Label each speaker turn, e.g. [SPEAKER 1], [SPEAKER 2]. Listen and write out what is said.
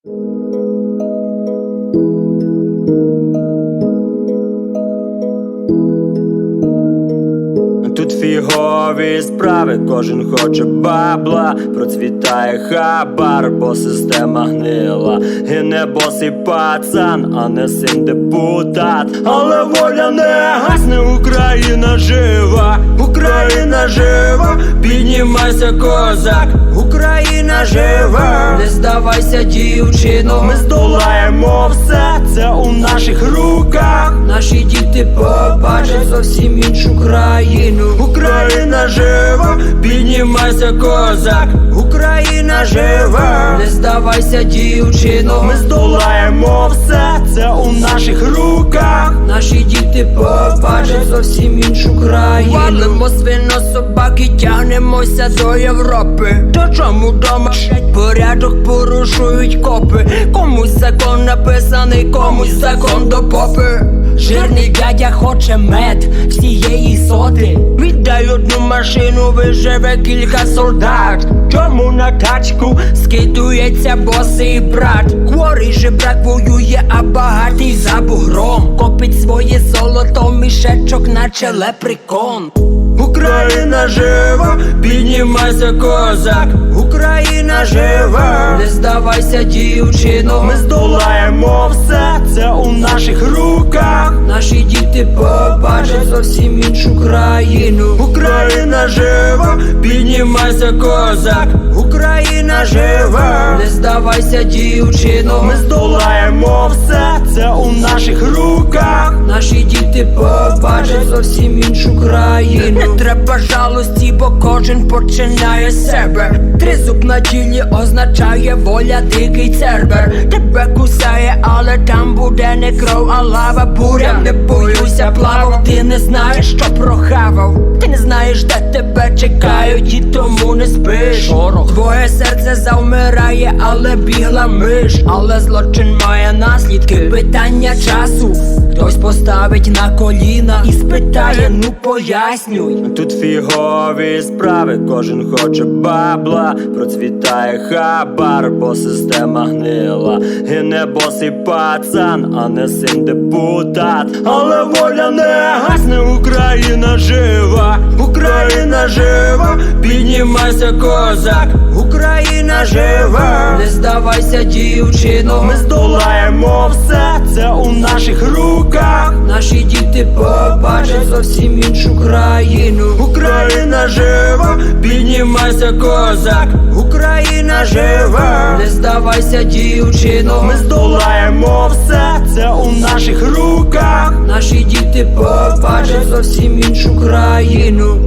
[SPEAKER 1] Тут фігові справи, кожен хоче бабла, процвітає хабар, бо система гнила. Гине босий пацан, а не син депутат. Але воля не гасне, Україна жива, Україна жива, піднімайся, козак, Україна жива.
[SPEAKER 2] Не здавайся, дівчино,
[SPEAKER 1] Ми здолаємо все, це у наших руках.
[SPEAKER 2] наші діти побачать зовсім іншу країну.
[SPEAKER 1] Україна жива, піднімайся, козак, Україна жива.
[SPEAKER 2] Не здавайся, дівчино,
[SPEAKER 1] Ми здолаємо все, це у наших руках.
[SPEAKER 2] наші діти побачать зовсім іншу країну.
[SPEAKER 1] Валимо свинособаки, тягнемося до Європи. То чому дома порядок порушують копи? Комусь закон написаний, комусь закон до попи. Жирний дядя хоче мед всієї соти. Віддай одну машину, виживе кілька солдат. Чому на тачку скидується босий брат? Хворий жебрак воює, а багатий за бугром копить своє золото, мішечок, наче лепрекон. Україна жива, піднімайся, козак, Україна жива.
[SPEAKER 2] Не здавайся, дівчино,
[SPEAKER 1] Ми здолаємо все, це у наших руках.
[SPEAKER 2] наші діти побачать зовсім іншу країну.
[SPEAKER 1] Україна жива, піднімайся, козак, Україна жива.
[SPEAKER 2] Не здавайся, дівчино,
[SPEAKER 1] Ми здолаємо все, це у наших руках.
[SPEAKER 2] наші діти побачать зовсім іншу країну.
[SPEAKER 1] Не треба жалості, бо кожен починає з себе. Тризуб на тілі означає воля, дикий цербер. Тебе кусає, але там буде не кров, а лава буря. Не боюся плавав, ти не знаєш, що прохавав. Ти не знаєш, де тебе чекають, і тому не спиш. Твоє серце завмирає, але бігла миш. Але злочин має наслідки, питання часу. Хтось поставить на коліна і спитає, ну пояснюй. Тут фігові справи, кожен хоче бабла, процвітає хабар, бо система гнила. Гине босий пацан, а не син депутат. Але воля не гасне, Україна жива, Україна жива, піднімайся, козак, Україна жива.
[SPEAKER 2] Не здавайся, дівчино,
[SPEAKER 1] Ми здолаємо все, це у наших руках.
[SPEAKER 2] наші діти побачать зовсім іншу країну.
[SPEAKER 1] Україна жива, піднімайся, козак, Україна жива.
[SPEAKER 2] Не здавайся, дівчино,
[SPEAKER 1] Ми здолаємо все, це у наших руках.
[SPEAKER 2] наші діти побачать зовсім іншу країну.